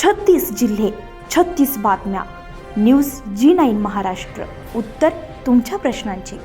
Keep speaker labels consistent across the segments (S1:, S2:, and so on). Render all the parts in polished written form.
S1: 36 जिल्हे, 36 बातम्या. News G9 Maharashtra. उत्तर तुमच्या प्रश्नांची.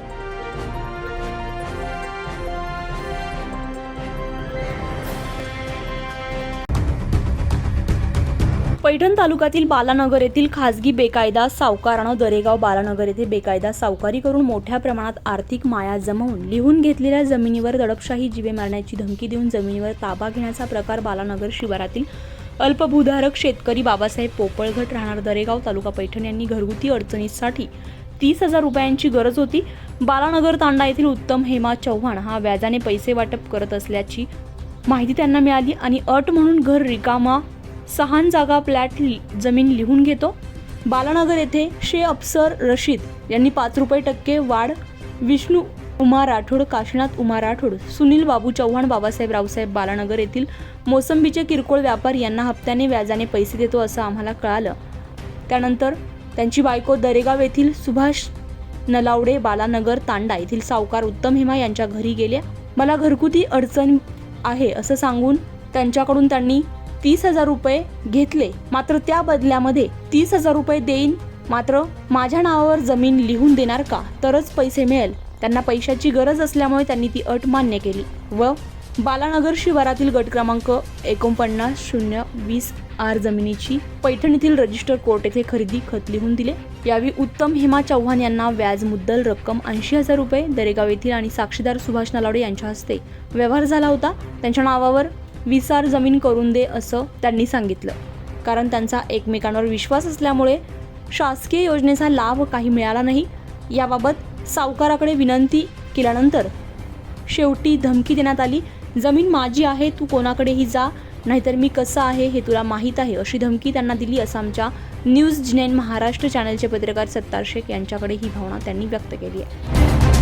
S1: पैठण तालुक्यातील बालानगर येथील खासगी बेकायदा सावकारानं दरेगाव बालानगर येथे बेकायदा सावकारी करून मोठ्या प्रमाणात आर्थिक माया जमवून लिहून घेतलेल्या जमिनीवर दडपशाही जीवे मारण्याची धमकी देऊन जमिनीवर ताबा घेण्याचा प्रकार बालानगर शिवारातील अल्पभूधारक शेतकरी बाबासाहेब पोपळघट राहणार दरेगाव तालुका पैठण यांनी घरगुती अडचणीसाठी 30,000 रुपयांची गरज होती. बालानगर तांडा येथील उत्तम हेमा चव्हाण हा व्याजाने पैसे वाटप करत असल्याची माहिती त्यांना मिळाली आणि अट म्हणून घर रिकामा 6 जागा फ्लॅट जमीन लिहून घेतो. बालानगर येथे शे अफसर रशीद यांनी 5 रुपये टक्के वाढ, विष्णू उमा राठोड, काशीनाथ उमा राठोड, सुनील बाबू चव्हाण, बाबासाहेब रावसाहेब बालानगर येथील मोसंबीचे किरकोळ व्यापारी यांना हप्त्याने व्याजाने पैसे देतो असं आम्हाला कळालं. त्यानंतर त्यांची बायको दरेगाव येथील सुभाष नलावडे बालानगर तांडा येथील सावकार उत्तम हेमा यांच्या घरी गेल्या. मला घरगुती अडचण आहे असं सांगून त्यांच्याकडून त्यांनी 30,000 रुपये घेतले. मात्र त्या बदल्यामध्ये 30,000 रुपये देईन, मात्र माझ्या नावावर जमीन लिहून देणार का, तरच पैसे मिळेल. त्यांना पैशाची गरज असल्यामुळे त्यांनी ती अट मान्य केली व बालानगर शिवारातील गट क्रमांक 49-020 आर जमिनीची पैठण येथील रजिस्टर कोर्ट येथे खरेदी खत लिहून दिले. यावेळी उत्तम हेमा चव्हाण यांना व्याज मुद्दल रक्कम 80,000 रुपये दरेगाव येथील आणि साक्षीदार सुभाष नलावडे यांच्या हस्ते व्यवहार झाला होता. त्यांच्या नावावर विसार जमीन करून दे असं त्यांनी सांगितलं. कारण त्यांचा एकमेकांवर विश्वास असल्यामुळे शासकीय योजनेचा लाभ काही मिळाला नाही. याबाबत सावकाराकडे विनंती केल्यानंतर शेवटी धमकी देण्यात आली. जमीन माझी आहे, तू कोणाकडेही जा, नाहीतर मी कसं आहे हे तुला माहीत आहे, अशी धमकी त्यांना दिली असं आमच्या न्यूज G9 महाराष्ट्र चॅनलचे पत्रकार सत्तार शेख यांच्याकडे ही भावना त्यांनी व्यक्त केली आहे.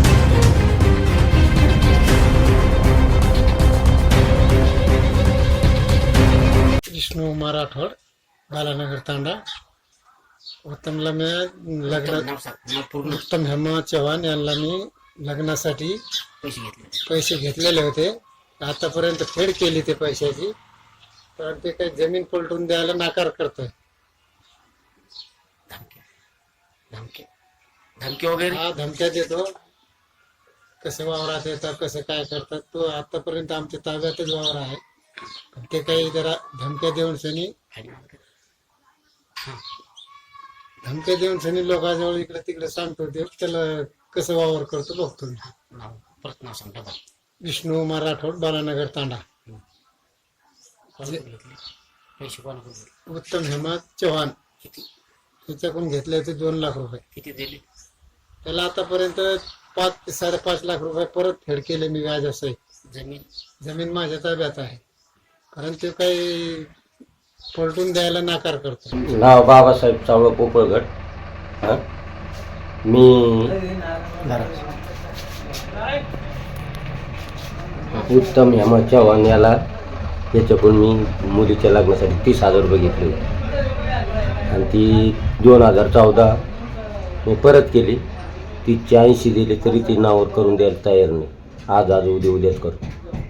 S2: विष्णू उमा राठोड बालानगर तांडा. उत्तमला मी उत्तम हेमा चव्हाण यांना मी लग्नासाठी पैसे घेतलेले होते. आतापर्यंत फेड केली ते पैशाची, तर ते काही जमीन पलटून द्यायला नाकार करतोय.
S3: धमकी वगैरे
S2: हा धमक्या देतो. कसं वावरात येतात, कसं काय करतात, तो आतापर्यंत आमच्या ताब्यातच वावर आहे. ते काही जरा धमक्या देऊन सनी लोकांजवळ इकडे तिकडे सांगतो. ते त्याला कसं वावर करतो बघतो.
S3: प्रश्न सांगता बघ.
S2: विष्णू उमा राठोड बालानगर तांडा.
S3: पैसे कोणाकडून?
S2: उत्तम हेमा चव्हाण
S3: किती
S2: त्याच्याकडून घेतले होते 2 लाख रुपये.
S3: किती दिले?
S2: त्याला आतापर्यंत 5 ते 5.5 लाख रुपये परत फेड केले मी व्याज असं. जमीन माझ्या ताब्यात आहे, कारण ते काही पलटून द्यायला नाकार करतो.
S4: नाव बाबासाहेब चावळ पोपळघट. मी उत्तम हेमा चव्हाण याला याच्याकडून मी मुलीच्या लग्नासाठी 30,000 रुपये घेतले होते आणि ती 2014 मी परत केली. ती 80 दिले तरी ती नावावर करून द्यायला तयार नाही. आज उद्याच करतो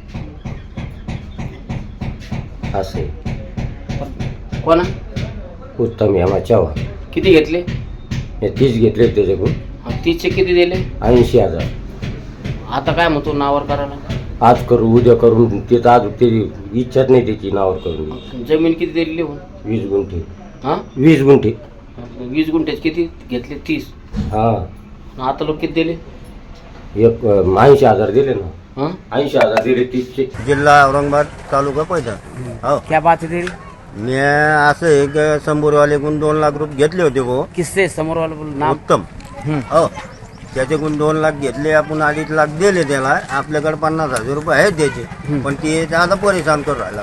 S4: असे.
S3: कोणा?
S4: उत्तम हेमा चव्हाण.
S3: किती घेतले?
S4: हे 30 घेतले त्याच्याकडून.
S3: 30चे किती दिले?
S4: 80,000.
S3: आता काय म्हणतो नावावर करायला?
S4: आज करू उद्या करून. ते तर आज त्याची इच्छाच नाही त्याची नावावर करून.
S3: जमीन किती दिली लिहून?
S4: 20 गुंठे.
S3: 20
S4: गुंठे.
S3: 20 गुंठ्याचे किती घेतले? 30. आता लोक किती दिले?
S4: 80,000 दिले ना. 80,000 दिले 30चे.
S5: जिल्हा औरंगाबाद, तालुका पैठण. हो,
S3: क्या बात है तेरी?
S5: मी असं एक समोरवालेकडून 2 लाख रुपये घेतले होते. हो,
S3: किससे? समोर वाला नाम?
S5: उत्तम. हो, त्याच्याकडून 2 लाख घेतले आपण. 2.5 लाख दिले त्याला. आपल्याकडे 50,000 रुपये आहेत त्याचे, पण ते आता परेशान करून राहिला.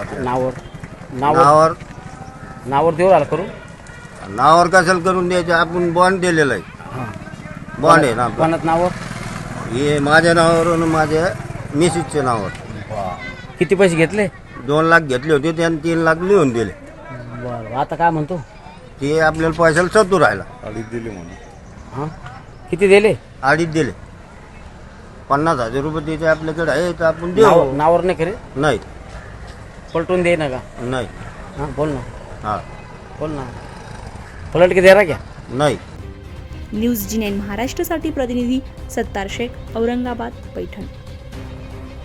S3: नावावर देऊ राहिला करू.
S5: नावावर कशाला करून द्यायचे? आपण बॉन्ड दिलेला आहे. बॉन्ड आहे ना
S3: कोणात नावावर?
S5: हे माझ्या नावावर, माझ्या मिसेसच्या नावावर.
S3: किती पैसे घेतले?
S5: 2 लाख घेतले होते, त्याने 3 लाख लिहून दिले.
S3: बरं, आता काय म्हणतो?
S5: ते आपल्याला पैशाला सतू राहिला.
S6: 2.5 दिले म्हणून.
S3: किती दिले?
S5: 2.5 दिले. 50,000 रुपये त्याचे आपल्याकडे आहे, तर आपण देऊ.
S3: नावावर नाही करे?
S5: नाही,
S3: पलटून दे ना का?
S5: नाही.
S3: बोल ना.
S5: हा,
S3: बोल ना पलट के दे रहा क्या
S5: नाही.
S1: न्यूज जी9 महाराष्ट्रासाठी प्रतिनिधी सत्तार शेख, औरंगाबाद, पैठण.